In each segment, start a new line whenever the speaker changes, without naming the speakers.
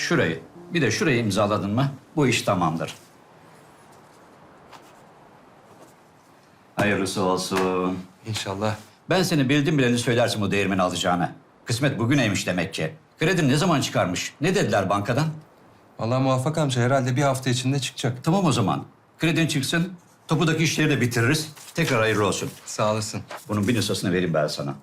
Şurayı, bir de şurayı imzaladın mı bu iş tamamdır. Hayırlısı olsun.
İnşallah.
Ben seni bildim bileli söylersin bu değirmeni alacağını. Kısmet bugüneymiş demek ki. Kredini ne zaman çıkarmış? Ne dediler bankadan?
Vallahi Muvaffak amca herhalde bir hafta içinde çıkacak.
Tamam o zaman. Kredin çıksın, topudaki işleri de bitiririz. Tekrar hayırlı olsun.
Sağ olasın.
Bunun bir nüshasını vereyim ben sana.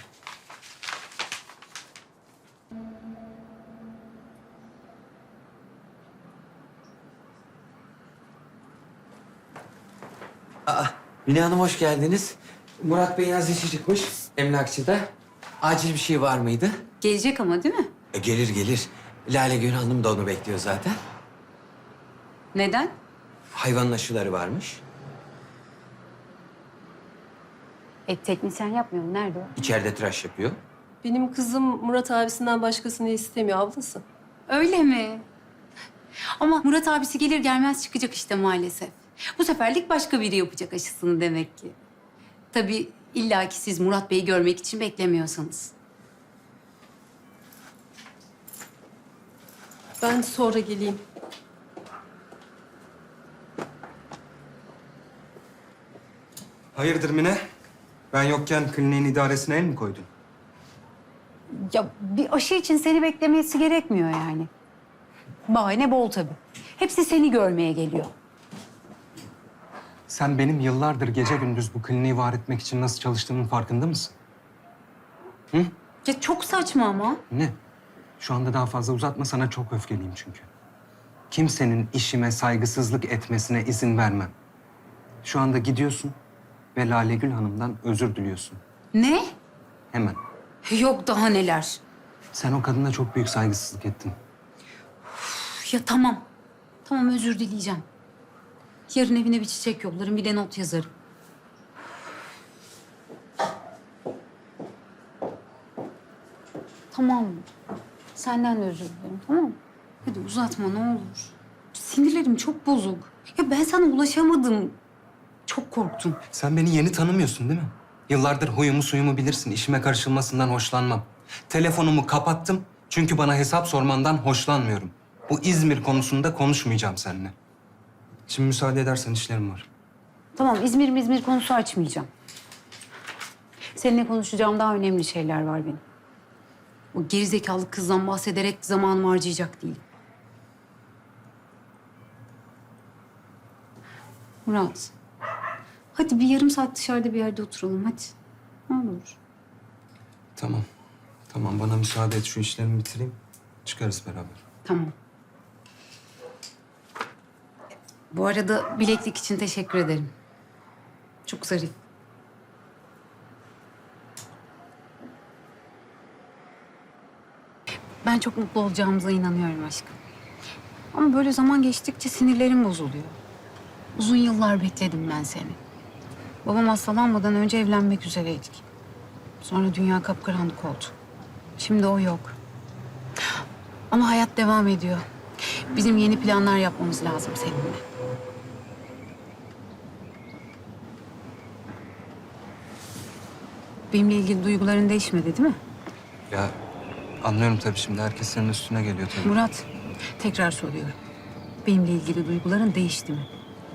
Mine Hanım hoş geldiniz. Murat Bey'in az işi çıkmış emlakçıda. Acil bir şey var mıydı?
Gelecek ama değil mi?
Gelir gelir. Lale Gül Hanım da onu bekliyor zaten.
Neden?
Hayvanın aşıları varmış.
Teknisyen yapmıyor. Nerede o?
İçeride tıraş yapıyor.
Benim kızım Murat abisinden başkasını istemiyor ablası.
Öyle mi? Ama Murat abisi gelir gelmez çıkacak işte maalesef. Bu seferlik başka biri yapacak aşısını demek ki. Tabii illaki siz Murat Bey'i görmek için beklemiyorsanız.
Ben sonra geleyim.
Hayırdır Mine? Ben yokken kliniğin idaresine el mi koydun?
Ya bir aşı için seni beklemesi gerekmiyor yani. Bahane bol tabii. Hepsi seni görmeye geliyor.
Sen benim yıllardır gece gündüz bu kliniği var etmek için nasıl çalıştığımın farkında mısın?
Ya çok saçma ama.
Ne? Şu anda daha fazla uzatma, sana çok öfkeliyim çünkü. Kimsenin işime saygısızlık etmesine izin vermem. Şu anda gidiyorsun ve Lale Gül Hanım'dan özür diliyorsun.
Ne?
Hemen.
Yok daha neler.
Sen o kadına çok büyük saygısızlık ettin.
Ya tamam. Tamam özür dileyeceğim. Yarın evine bir çiçek yollarım, bir de not yazarım. Tamam. Senden de özür dilerim, tamam mı? Hadi uzatma ne olur. Sinirlerim çok bozuk. Ya ben sana ulaşamadım. Çok korktum.
Sen beni yeni tanımıyorsun değil mi? Yıllardır huyumu suyumu bilirsin. İşime karışılmasından hoşlanmam. Telefonumu kapattım çünkü bana hesap sormandan hoşlanmıyorum. Bu İzmir konusunda konuşmayacağım seninle. Şimdi müsaade edersen işlerim var.
Tamam İzmir konusu açmayacağım. Seninle konuşacağım daha önemli şeyler var benim. O gerizekalı kızdan bahsederek zamanımı harcayacak değilim. Murat. Hadi bir yarım saat dışarıda bir yerde oturalım hadi. Ne olur.
Tamam. Tamam, bana müsaade et, şu işlerimi bitireyim. Çıkarız beraber.
Tamam. Bu arada bileklik için teşekkür ederim. Çok zarif. Ben çok mutlu olacağımıza inanıyorum aşkım. Ama böyle zaman geçtikçe sinirlerim bozuluyor. Uzun yıllar bekledim ben seni. Babam hastalanmadan önce evlenmek üzereydik. Sonra dünya kapkaranlık oldu. Şimdi o yok. Ama hayat devam ediyor. Bizim yeni planlar yapmamız lazım seninle. Benimle ilgili duyguların değişmedi değil mi?
Ya anlıyorum tabii, şimdi herkes senin üstüne geliyor tabii.
Murat, tekrar soruyorum. Benimle ilgili duyguların değişti mi?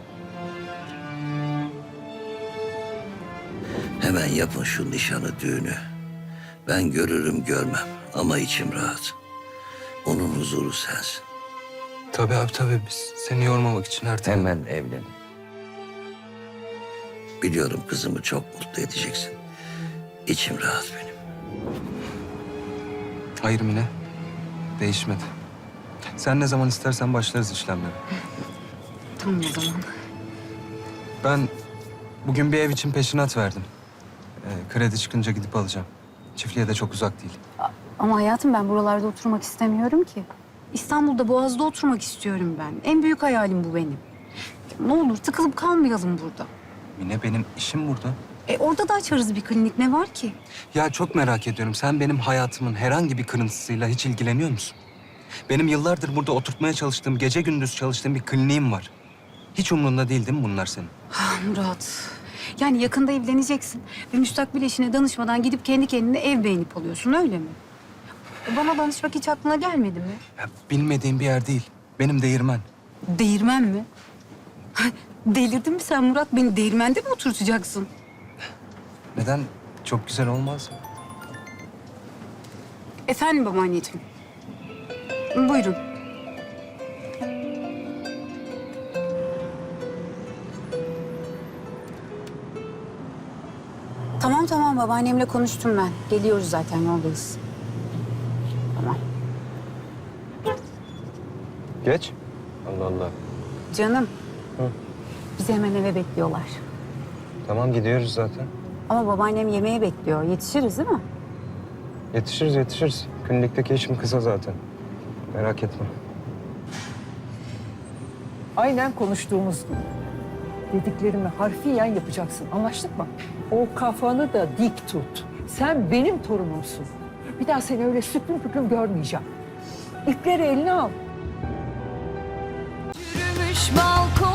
Hemen yapın şu nişanı, düğünü. Ben görürüm görmem ama içim rahat. Onun huzuru sensin.
Tabii abi tabii, biz seni yormamak için her türlü.
Hemen evlen. Biliyorum kızımı çok mutlu edeceksin. İçim rahat benim.
Hayır Mine, değişmedi. Sen ne zaman istersen başlarız işlemlere.
Tamam o zaman.
Ben bugün bir ev için peşinat verdim. Kredi çıkınca gidip alacağım. Çiftliğe de çok uzak değil.
Ama hayatım ben buralarda oturmak istemiyorum ki. İstanbul'da Boğaz'da oturmak istiyorum ben. En büyük hayalim bu benim. Ne olur tıkılıp kalmayalım burada.
Mine, benim işim burada.
Orada da açarız bir klinik. Ne var ki?
Ya çok merak ediyorum. Sen benim hayatımın herhangi bir kırıntısıyla hiç ilgileniyor musun? Benim yıllardır burada oturtmaya çalıştığım, gece gündüz çalıştığım bir kliniğim var. Hiç umrunda değil mi bunlar senin?
Ah Murat. Yani yakında evleneceksin ve müstakbel eşine danışmadan gidip kendi kendine ev beğenip alıyorsun öyle mi? Bana danışmak hiç aklına gelmedi mi?
Ya, bilmediğim bir yer değil. Benim değirmen.
Değirmen mi? Delirdin mi sen Murat? Beni değirmende mi oturtacaksın?
Neden? Çok güzel olmaz mı?
Efendim babaanneciğim. Buyurun. Tamam babaannemle konuştum ben. Geliyoruz zaten yoldayız. Tamam.
Geç. Allah Allah.
Canım. Bizi hemen eve bekliyorlar.
Tamam gidiyoruz zaten.
Ama babaannem yemeğe bekliyor. Yetişiriz değil mi?
Yetişiriz. Klinikteki işim kısa zaten. Merak etme.
Aynen konuştuğumuz gibi. Dediklerimi harfiyen yapacaksın. Anlaştık mı? O kafanı da dik tut. Sen benim torunumsun. Bir daha seni öyle süklüm püklüm görmeyeceğim. İpleri eline al.
Yürümüş balkon